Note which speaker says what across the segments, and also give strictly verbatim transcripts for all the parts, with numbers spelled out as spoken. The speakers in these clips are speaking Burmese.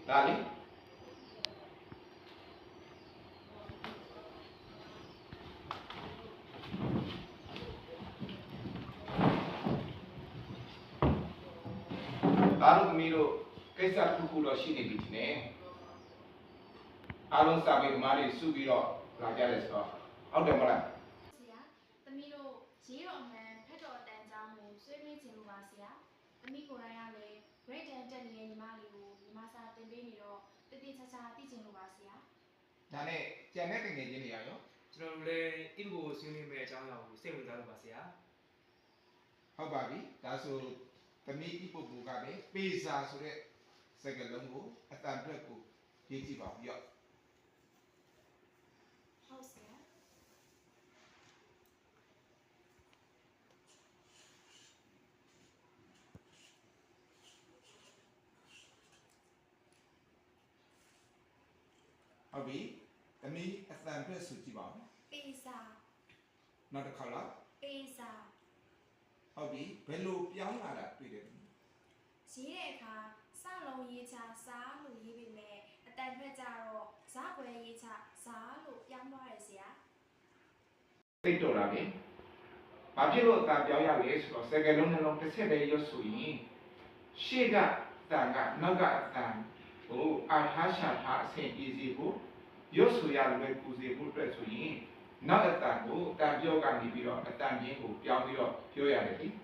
Speaker 1: ဒါလေဒါတို့သမီးတို့ကိစ္စတစ်ခုတော့ရှိနေပြီဒီနေ့အားလုံးစာပေဓမ္မတွေစုပြီးတော့လာကြတယ်ဆိုတော့ဟုတ်တယ်မလား
Speaker 2: ဆရာသမီးတို့ရေးတော်မှန်ဖက်တော်တန်ကြောင်းကိုဆွေးနွေးခြင်းလို့ပါဆရာသမီးကိုယ်တိုင်ကလည်း grade 10တက်နေတဲ့ညီမလေးကိုညီမစာတင်ပေးနေတော့တည်တည်ချာချာသိခြင်းလို့ပါဆရာ
Speaker 1: ဒါနဲ့ကြံတဲ့တငယ်ချင်းတွေရော
Speaker 3: ကျွန်တော်တို့လည်းဣဘကိုဆွေးနွေးမဲ့အကြောင်းအရာကိုစိတ်ဝင်စားလို့ပါဆရာ
Speaker 1: ဟုတ်ပါပြီဒါဆိုသမီးဣပုပ္ပူကလည်းပေစာဆိုတဲ့စကားလုံးကိုအတန်အတွက်ကိုရေးကြည့်ပါဦးရော
Speaker 2: ဟုတ်ဆရာ
Speaker 1: ဟုတ်ပြီသမီးအတန်အတွက်ဆိုကြည့်ပါဦး
Speaker 2: ပေစာ
Speaker 1: နောက်တစ်ခါလား
Speaker 2: ပေစာ
Speaker 1: ဟုတ်ပြီဘယ်လိုပြောင်းလာတာတွေ့တယ်
Speaker 2: ရေးတဲ့အခါစလုံးရေးချစားလို့ရေးပေမဲ့အတန်ဖက်ကြတော့ဇာကွယ်ရေးချစားလို့ပြောင်းသွားတယ်ဆရာ
Speaker 1: သိတော့တာပဲဘာဖြစ်လို့အတန်ပြောင်းရလဲဆိုတော့စကားလုံးနှလုံးတစ်ဆက်တည်းရွတ်ဆိုရင်ရှေ့ကအတန်ကနောက်ကအတန်ကိုအာထားရှာထားအဆင်ပြေစီဖို့ရွတ်ဆိုရလွယ်ကူစေဖို့အတွက်ဆိုရင်နောက်အတန်ကိုအတန်ပြောကနေပြီးတော့အတန်ပြင်းကိုပြောင်းပြီးတော့ပြောရတယ်လေ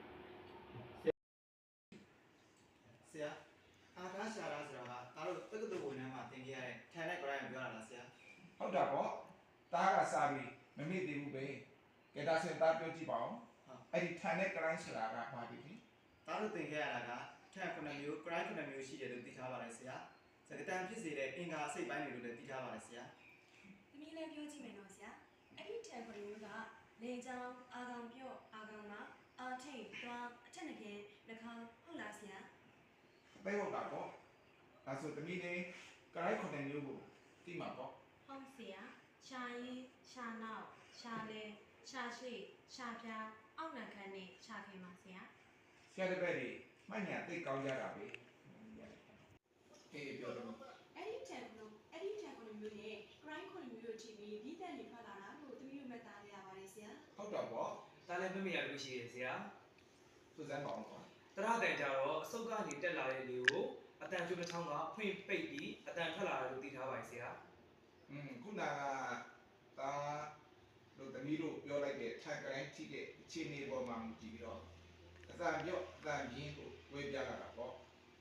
Speaker 4: ဆရာအာကာရှာရာဆိုတာကဒါတို့တက္ကသိုလ်ဝန်ထမ်းမှာသင်ခဲ့ရတဲ့ထိုင်တဲ့ grade ပြောတာလားဆရာ
Speaker 1: ဟုတ်တာပေါ့တားကစာပြီးမမေ့သေးဘူးပဲကဲဒါဆိုတားပြောကြည့်ပါဦးအဲ့ဒီထိုင်တဲ့ grade ဆိုတာကဘာဖြစ်လဲ
Speaker 4: ဒါတို့သင်ခဲ့ရတာကထိုင်ခုနှစ်မျိုး grade ခုနှစ်မျိုးရှိတယ်လို့သိထားပါတယ်ဆရာစကားတန်ဖြစ်စေတဲ့အင်္ဂါစိတ်ပိုင်းတွေလို့လည်းသိထားပါတယ်ဆရာ
Speaker 5: သမီးလည်းပြောကြည့်မယ်နော်ဆရာအဲ့ဒီထိုင်ခုနှစ်မျိုးကလေချောင်းအာကောင်ပြော့အာကောင်မအာထိတ်တွားအထက်ငယ်နှခေါင်းဟုတ်လားဆရာ
Speaker 1: သိဟုတ်တာပေါ့ဒါဆိုသမီးလေး grade ခုနှစ်မျိုးကိုသိမှာပေါ့
Speaker 5: ဟုတ်ဆရာရှာရေးရှာနောက်ရှာလဲရှာရှိရှာပြားအောက်နံခမ်းနဲ့ရှာခင်ပါဆရာ
Speaker 1: ဆရာတပည့်တွေမှတ်ညာသိကောင်းကြတာပဲအေးပြောတော့
Speaker 5: အဲ့ဒီတန်လို့အဲ့ဒီတန်ခုနှစ်မျိုးနဲ့ grade ခုနှစ်မျိုးတို့ချိန်ပြီးဒီတက်နေထွက်လာတာလို့သမီးတို့မှတ်သားရပါတယ်ဆရာ
Speaker 1: ဟုတ်တော့ပေါ့
Speaker 3: ဒါလည်းမမေ့ရလို့ရှိရဆရာ
Speaker 1: စူဇန်ပါအောင်ကွာ
Speaker 3: တရတန်ကြတော့အစုပ်ကနေတက်လာတဲ့လေကိုအတန်ကျိုးတစ်ချောင်းကဖွင့်ပိတ်ပြီးအတန်ထွက်လာတယ်လို့သိထားပါတယ်ဆရာ
Speaker 1: อืมခုနကဒါတို့သမီးတို့ပြောလိုက်တဲ့ထိုင်ကတိုင်းထိတဲ့အခြေအနေပေါ်မှာကြည့်ပြီးတော့အတန်ပြော့အတန်ပြင်းကိုဝေးပြလာတာပေါ့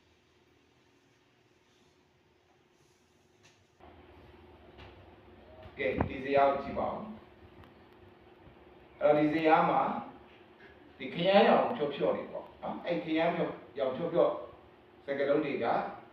Speaker 1: ကဲဒီဇာတ်ကိုကြည့်ပါဦးအဲ့တော့ဒီဇာတ်မှာဒီခရမ်းရောင်ဖြော့ဖြော့နေပေါ့နော်အဲ့ခရမ်းဖြော့ရောင်ဖြော့ဖြော့စကားလုံးတွေက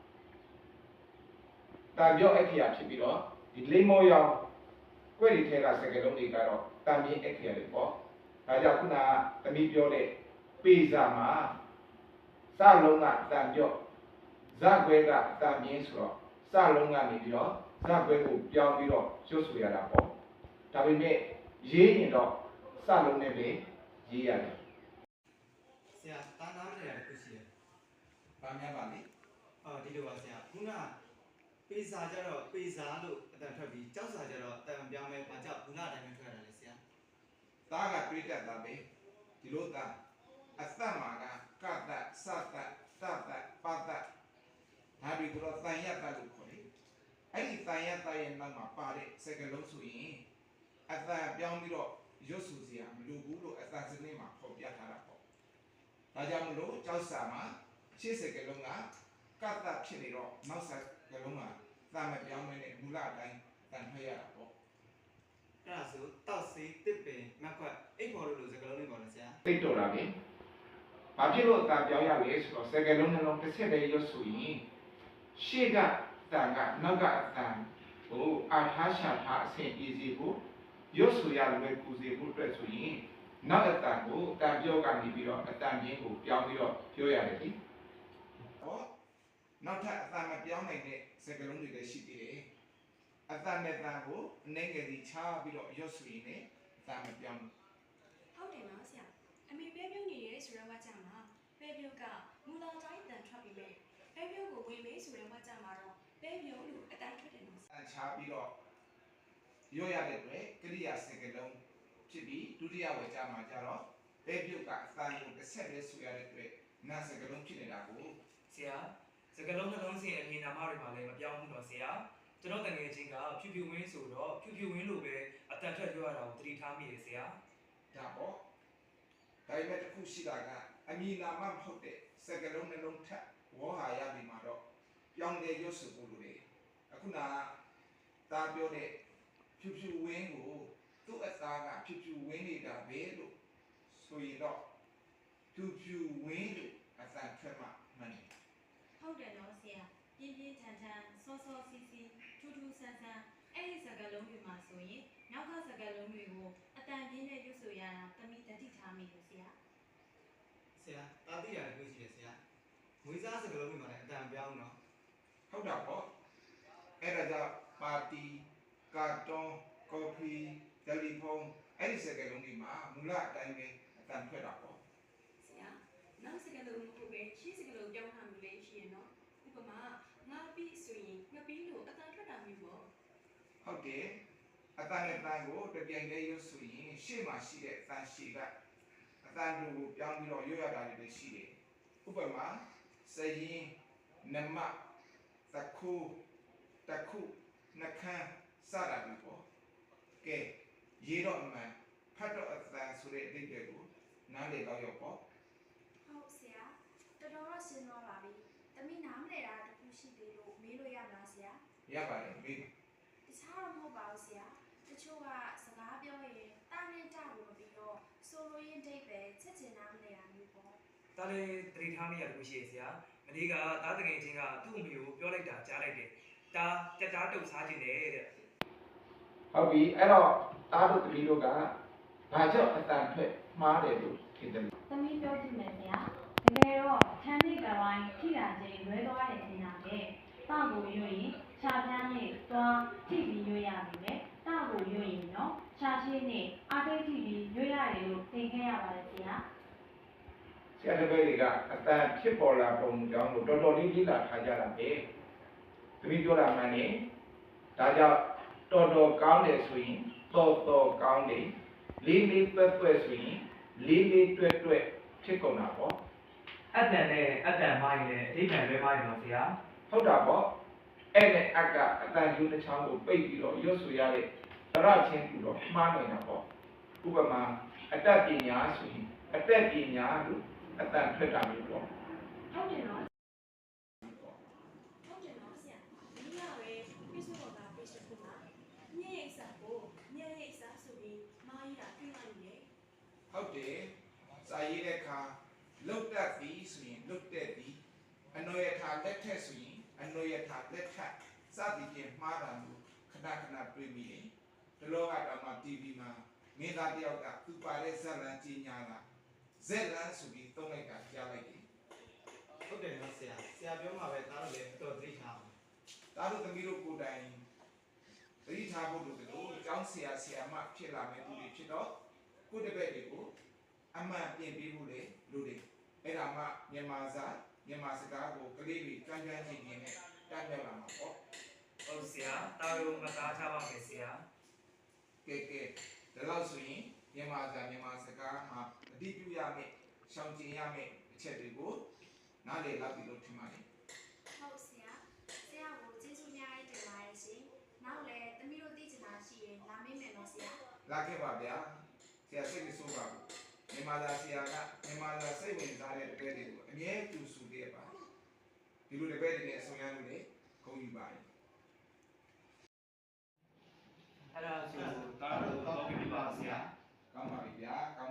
Speaker 1: တန်ပြော့အခရာဖြစ်ပြီးတော့ဒီလိမ္မောရောင်ကွဲ့ဒီထဲကစကားလုံးတွေကတော့တန်ပြင်းအခရာတွေပေါ့ဒါကြောင့်ခုနကသမီးပြောတဲ့ပေစာမှာစလုံးကတန်ပြော့ဇက်ခွဲကတန်ပြင်းဆိုတော့စလုံးကနေပြီးတော့ဇက်ခွဲကိုပြောင်းပြီးတော့ရွတ်ဆိုရတာပေါ့ဒါပေမဲ့ရေးရင်တော့စလုံးနဲ့ပဲရေးရတယ်
Speaker 4: ဆရာတာနားမလဲတခုရှိတယ်
Speaker 1: ။ဘာများပါလဲ
Speaker 4: ။အော်ဒီလိုပါဆရာခုနပေစာကြတော့ပေစာလို့အတန်ထွက်ပြီးကြောက်စာကြတော့အတန်ပြောင်းမဲ့ဘာကြောက်ခုနအတိုင်းပဲထွက်ရတယ်ဆရာ
Speaker 1: ။သားကတွေးတတ်တာပဲဒီလိုသားအသက်မှာကကတ္တစတ္တတတ္တပတ္တဒါပြီးတော့တန်ရတ္တလို့ခေါ်တယ်။အဲ့ဒီတန်ရတ္တရဲ့နောက်မှာပါတဲ့စကားလုံးဆိုရင်အသက်ပြောင်းပြီးတော့ရွတ်ဆိုစရာမလိုဘူးလို့အသက်စနစ်မှာဖော်ပြထားတာပေါ့။ဒါကြောင့်မလို့ကြောက်စာမှာရှေ့စကားလုံးကကတ္တဖြစ်နေတော့နောက်စကားလုံးမှာတန်မပြောင်းမနဲ့မူလအတိုင်းတန်ထွက်ရတာပေါ့
Speaker 4: အဲ့ဒါဆိုတောက်စေးတစ်ပင်မက်ခွက်အိတ်ဖော်လို့လို့စကားလုံးလေးပေါ့လေဆရာ
Speaker 1: သိတော့တာပဲဘာဖြစ်လို့တန်ပြောင်းရလဲဆိုတော့စကားလုံးနှလုံးတစ်ဆက်တည်းရွတ်ဆိုရင်ရှေ့ကတန်ကနောက်ကအတန်ကိုအာထားရှာထားအဆင်ပြေစီဖို့ရွတ်ဆိုရလွယ်ကူစေဖို့အတွက်ဆိုရင်နောက်အတန်ကိုတန်ပြောကနေပြီးတော့အတန်ပြင်းကိုပြောင်းပြီးတော့ပြောရတယ်လေဟောနောက်ထပ်အတန်မပြောင်းနိုင်တဲ့စကားလုံးတွေလည်းရှိသေးတယ်အတန်နဲ့တန်ကိုအနေငယ်စီချပြီးတော့ရွတ်ဆိုရင်လည်းအတန်မပြောင်း
Speaker 5: ဟုတ်တယ်နော်ဆရာအမေပဲပြုံးနေရဲဆိုတော့ဝါကြမှာပဲပြုံးကမူလာတိုင်းတန်ထွက်ပြီးမဲ့ပဲပြုံးကိုဝင်မေးဆိုတဲ့ဝါကြမှာတော့ပဲပြုံးလို့အတန်ထွက်တယ်နော်ဆရာ
Speaker 1: အချားပြီးတော့ရောရတဲ့အတွက်ကရိယာစကားလုံးဖြစ်ပြီးဒုတိယဝေကြမှာကြတော့ပဲပြုတ်ကအတန်ကိုတစ်ဆက်လေးဆိုရတဲ့အတွက်နာစကားလုံးဖြစ်နေတာကို
Speaker 3: ဆရာစကလုံးနှလုံးစဉ်အမည်နာမတွေမှာလည်းမပြောင်းဘူးတော့ဆရာကျွန်တော်တငယ်ချင်းကဖြူဖြူဝင်းဆိုတော့ဖြူဖြူဝင်းလိုပဲအတန်ထွက်ပြောရတာကိုသတိထားမိတယ်ဆရာ
Speaker 1: ဒါပေါ့ဒါပေမဲ့တစ်ခုရှိတာကအမည်နာမမဟုတ်တဲ့စကားလုံးနှလုံးထက်ဝေါ်ဟာရပြီမှာတော့ပြောင်းလဲရွတ်ဆိုဖို့လိုတယ်အခုနကဒါပြောတဲ့ဖြူဖြူဝင်းကိုသူ့အသားကဖြူဖြူဝင်းနေတာပဲလို့ဆိုရင်တော့ဖြူဖြူဝင်းလို့အတန်ထွက်မှမှန်တယ်
Speaker 5: ဟုတ်တယ်နော်ဆရာပြင်းပြင်းထန်ထန်စောစောစီးစီးထူးထူးဆန်းဆန်းအဲ့ဒီစကားလုံးတွေမှာဆိုရင်နောက်ကစကားလုံးတွေကိုအတန်ပြင်းနဲ့ရွတ်ဆိုရတာသမီးတတိထားမိတယ်ဆရာ
Speaker 4: ဆရာတာတိရတယ်ကိုရှိတယ်ဆရာငွေစားစကလုံးတွေမှာလည်းအတန်ပြောင်းနော်
Speaker 1: ဟုတ်တာပေါ့အဲ့ဒါကြောင့်ပါတီကာတွန်းကော်ဖီတယ်လီဖုန်းအဲ့ဒီစကားလုံးတွေမှာမူလအတိုင်းပဲအတန်ထွက်တာပေါ့
Speaker 5: ဆရာနောက်စကားလုံးမဟုတ်ပဲရှင်းစကားလုံးပြောင်းတာမျိုးလေးရှိရင်နော်ဥပမာငါပြီးဆိုရင်ငါပြီးလို့အတန်ထွက်တာမျိုးပေါ့
Speaker 1: ဟုတ်တယ်အတန်နဲ့တန်ကိုတပြိုင်တည်းရွတ်ဆိုရင်ရှေ့မှာရှိတဲ့အတန်ရှည်ကအတန်တို့ကိုပြောင်းပြီးတော့ရွတ်ရတာတွေလည်းရှိတယ်ဥပမာစရင်နမတခုတခုနှခမ်းစတာတွေပေါ့ကဲရေတော့အမှန်ဖတ်တော့အတန်ဆိုတဲ့အဓိပ္ပာယ်ကိုနားလည်တော့ရောက်ပေါ့
Speaker 2: ဟုတ်ဆရာတော်တော်တော့ရှင်းသွားပါပြီသမီးနားမလဲတာတခုရှိသေးလို့မေးလို့ရမလားဆရာ
Speaker 1: ရပါတယ်မေး
Speaker 2: တခြားတော့မဟုတ်ပါဘူးဆရာတချို့ကစကားပြောရင်တာနဲ့တာလို့မပြီးတော့ဆိုလိုရင်းဒိတ်ပဲချက်ချင်နားမလဲတာမျိုးပေါ့
Speaker 3: ဒါလည်းသတိထားမိရလို့ရှိရဆရာမနေ့ကသားတငယ်ချင်းကသူ့အမေကိုပြောလိုက်တာကြားလိုက်တယ်ဒါကြက်သားတုတ်စားခြင်းတယ်တဲ့
Speaker 1: ဟုတ်ပြီအဲ့တော့တားတို့တပီတို့ကဘာကြောင့်အတန်ထွက်မှားတယ်လို့ထင်တယ်
Speaker 6: သမီးပြောကြည့်မယ်ဆရာတကယ်တော့ချမ်းမြေကပိုင်းထိတာချင်းလွဲသွားတယ်ထင်တာပဲတောက်ကိုရွရင်ခြာပြန်းနဲ့သွားထိပြီးရွရပြီပဲတောက်ကိုရွရင်နော်ခြာရှိနဲ့အာတိတ်ထိပြီးရွရတယ်လို့သင်ခဲ့ရပါတယ်ဆရာ
Speaker 1: ဆရာတပည့်တွေကအတန်ဖြစ်ပေါ်လာပုံကြောင့်လို့တော်တော်လေးလေ့လာထားကြတာပဲတပည့်ပြောတာမှန်တယ်ဒါကြောင့်တော်တော်ကောင်းတယ်ဆိုရင်တော်တော်ကောင်းတယ်လေးလေးတွဲ့တွဲ့ဆိုရင်လေးလေးတွဲ့တွဲ့ဖြစ်ကုန်တာပေါ့
Speaker 3: အတန်နဲ့အတန်မိုင်းနဲ့အဓိပ္ပာယ်လွဲမိုင်းတော့ဆရာ
Speaker 1: ဟုတ်တာပေါ့အဲ့နဲ့အကအတန်ယူတစ်ချောင်းကိုပိတ်ပြီးတော့ရွတ်ဆိုရတဲ့သရချင်းတူတော့မှားနိုင်တာပေါ့ဥပမာအတတ်ပညာဆိုရင်အတတ်ပညာလို့အတန်ထွက်တာမျိုးပေါ့
Speaker 5: ဟုတ်တယ်နော်ဟုတ်တယ်နော်ဆရာဒီကပဲ Facebook က page တစ်ခုမှာညရဲ့အစားကိုညရဲ့အစားဆိုပြီးမားရတာတွေ့လိုက်တယ်
Speaker 1: ဟုတ်တယ်စာရေးတဲ့အခါလုတ်တက်သည်ဆိုရင်လုတ်တက်သည်အနွယ်ထာလက်ထက်ဆိုရင်အနွယ်ထာလက်ထက်စသည်ဖြင့်မှားတာမျိုးခဏခဏတွေ့မိတယ်ဒီလိုကတော့မှ တီဗီ မှာမင်းသားတယောက်ကသူပါတဲ့ဇက်လန်ကြီးညာတာဇက်လန်ဆိုပြီးသုံးလိုက်တာကြားလိုက်တယ်
Speaker 4: ဟုတ်တယ်နော်ဆရာဆရာပြောမှာပဲဒါတော့လည်းတော်သိထားအောင်
Speaker 1: ဒါတို့သမီးတို့ကိုယ်တိုင်သတိထားဖို့လိုတယ်လို့အကြောင်းဆရာဆရာမဖြစ်လာမဲ့သူတွေဖြစ်တော့ကိုယ့်တပည့်တွေကိုအမှန်ပြင်ပေးဖို့လေလိုတယ်အဲ့ဒါမှမြန်မာစာမြန်မာစကားကိုကလေးတွေကြမ်းကြမ်းချင်းချင်းနဲ့တတ်မြောက်လာမှာပေါ့
Speaker 3: ဟုတ်ဆရာတာရုံမသားထားပါမယ်ဆရာ
Speaker 1: ကဲကဲဒါလို့ဆိုရင်မြန်မာစာမြန်မာစကားမှာအတိပြုရမယ်ရှောင်ကျဉ်ရမယ်အချက်တွေကိုနားလည်လောက်ပြီလို့ထင်ပါတယ်
Speaker 2: ဟုတ်ဆရာဆရာကိုကျေးဇူးများကြီးတင်ပါတယ်ရှင်နောက်လည်းသမီးတို့သိချင်တာရှိရင်လာမေးမယ်နော်ဆရာ
Speaker 1: လာခဲ့ပါဗျာဆရာစိတ်မဆိုးပါဘူးမြန်မာသာဆရာကမြန်မာသာစိတ်ဝင်စားတဲ့တပည့်တွေကိုအမြဲတူဆူခဲ့ပါဒီလိုတပည့်တွေနဲ့ဆောင်ရလို့လေဂုဏ်ယူပါတယ်
Speaker 3: အဲ့ဒါဆိုတာရုံတော့ပြပါဆရာ
Speaker 1: ကောင်းပါပြီဗျာကောင်း